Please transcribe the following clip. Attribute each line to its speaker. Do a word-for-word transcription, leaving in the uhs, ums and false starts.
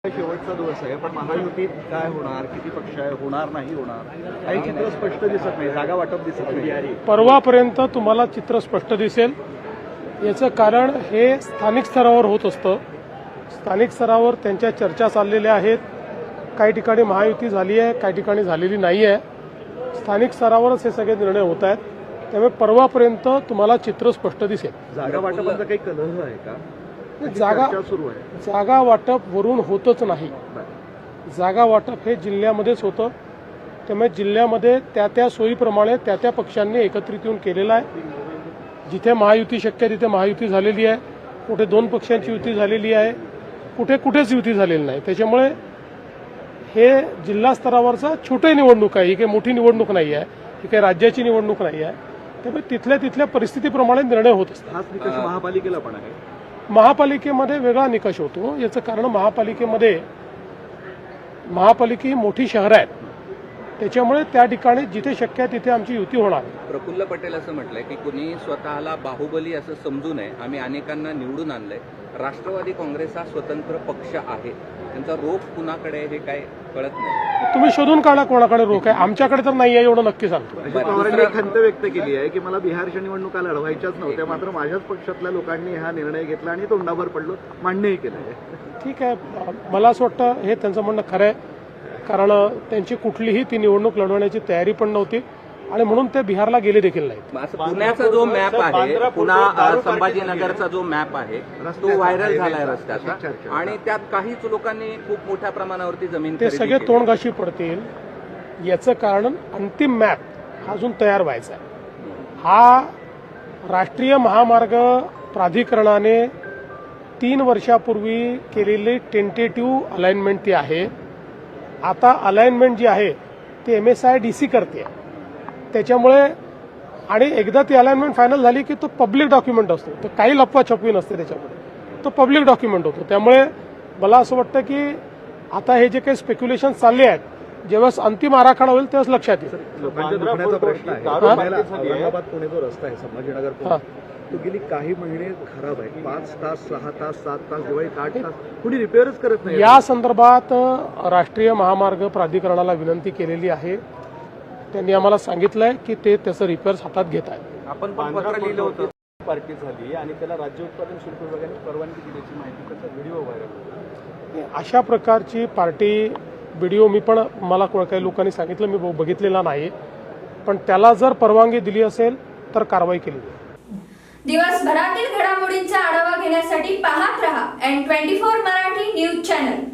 Speaker 1: शेवटचा दिवस आहे, पण महायुतीत काय होणार, किती पक्ष आहे, होणार नाही होणार, काही चित्र स्पष्ट दिसत नाही, जागा वाटप दिसत नाही.
Speaker 2: परवापर्यंत तुम्हाला चित्र स्पष्ट दिसेल. याचं कारण हे स्थानिक स्तरावर होत असतं. स्थानिक स्तरावर त्यांच्या चर्चा चाललेल्या आहेत. काही ठिकाणी महायुती झाली आहे, काही ठिकाणी झालेली नाही आहे. स्थानिक स्तरावरच हे सगळे निर्णय होत आहेत. त्यामुळे परवापर्यंत तुम्हाला चित्र स्पष्ट दिसेल.
Speaker 1: जागा वाटपाचा काही कलह आहे का?
Speaker 2: जागा
Speaker 1: सुरू आहे.
Speaker 2: जागा वाटप वरून होतच नाही. जागा वाटप हे जिल्ह्यामध्येच होतं. त्यामुळे जिल्ह्यामध्ये त्या त्या सोयीप्रमाणे त्या त्या पक्षांनी एकत्रित येऊन केलेलं आहे. जिथे महायुती शक्य तिथे महायुती झालेली आहे, कुठे दोन पक्षांची युती झालेली आहे, कुठे कुठेच युती झालेली नाही. त्याच्यामुळे हे जिल्हा स्तरावरचा छोटी निवडणूक आहे. ही काही मोठी निवडणूक नाही आहे, ही काही राज्याची निवडणूक नाही आहे. त्यामुळे तिथल्या तिथल्या परिस्थितीप्रमाणे निर्णय होत असतात.
Speaker 1: हाच निकष महापालिकेला पण आहे.
Speaker 2: महापालिकेमध्ये वेगळा निकष होतो. याचं कारण महापालिकेमध्ये महापालिका ही मोठी शहरं आहेत. त्याच्यामुळे त्या ठिकाणी जिथे शक्य आहे तिथे आमची युती होणार.
Speaker 3: प्रफुल्ल पटेल असं म्हटलंय की कुणी स्वतःला बाहुबली असं समजू नये, आम्ही अनेकांना निवडून आणलंय. राष्ट्रवादी काँग्रेस हा स्वतंत्र पक्ष आहे, त्यांचा रोख कुणाकडे हे काय कळत नाही.
Speaker 2: तुम्ही शोधून काढा कोणाकडे रोख आहे. आमच्याकडे तर नाही आहे एवढं नक्की सांगतो.
Speaker 1: पवारांनी खंत व्यक्त केली आहे की मला बिहारच्या निवडणुका लढवायच्याच नव्हत्या, मात्र माझ्याच पक्षातल्या लोकांनी हा निर्णय घेतला आणि तोंडावर पडलो, मान्यही केलं आहे.
Speaker 2: ठीक आहे, मला असं वाटतं हे त्यांचं म्हणणं खरं आहे. कारण त्यांची कुठलीही ती निवडणूक लढवण्याची तयारी पण नव्हती आणि म्हणून ते बिहारला गेले देखील नाहीत.
Speaker 3: पुण्याचा जो मॅप आहे, पुन्हा संभाजीनगरचा जो मॅप आहे तो व्हायरल झालाय रस्त्याचा, आणि त्यात काहीच लोकांनी खूप मोठ्या प्रमाणावरती जमीन
Speaker 2: ते सगळे तोंडघाशी पडतील. याचं कारण अंतिम मॅप अजून तयार व्हायचा आहे. हा राष्ट्रीय महामार्ग प्राधिकरणाने तीन वर्षापूर्वी केलेली टेंटेटिव्ह अलाइनमेंट ती आहे. आता अलाइनमेंट जी आहे ती M S I D C करते. त्याच्यामुळे आणि एकदा ती अलाइनमेंट फायनल झाली की तो पब्लिक डॉक्युमेंट असतो. तर काही लपवा छपवी नसते त्याच्यामध्ये, तो पब्लिक डॉक्युमेंट होतो. त्यामुळे मला असं वाटतं की आता हे जे काही स्पेक्युलेशन चालले आहेत, जेव्हा अंतिम आराखडा होईल तेव्हाच लक्षात येईल.
Speaker 1: लोकांच्या दुखण्याचा प्रश्न आहे. औरंगाबाद पुणे जो रस्ता आहे, संभाजीनगर तो गेली काही महिने खराब आहे. पाच तास सहा तास सात तास दिवाळीत आठ तास कुणी रिपेअरच करत नाही.
Speaker 2: या संदर्भात राष्ट्रीय महामार्ग प्राधिकरणाला विनंती केलेली आहे. त्यांनी आम्हाला सांगितलंय की ते त्याचं रिपेअर्स हातात घेत आहेत.
Speaker 1: आपण पत्र लिहिलं होतं, पार्टी झाली आणि त्याला राज्य उत्पादन शुल्क विभागाने परवानगी दिल्याची माहिती, त्याचा व्हिडिओ व्हायरल.
Speaker 2: अशा प्रकारची पार्टी व्हिडिओ मी पण मला काही लोकांनी सांगितलं, मी बघितलेला नाही. पण त्याला जर परवानगी दिली असेल तर कारवाई केली जाईल.
Speaker 4: दिवसभरातील घडामोडींचा आढावा घेण्यासाठी पाहत रहा N twenty four Marathi news channel.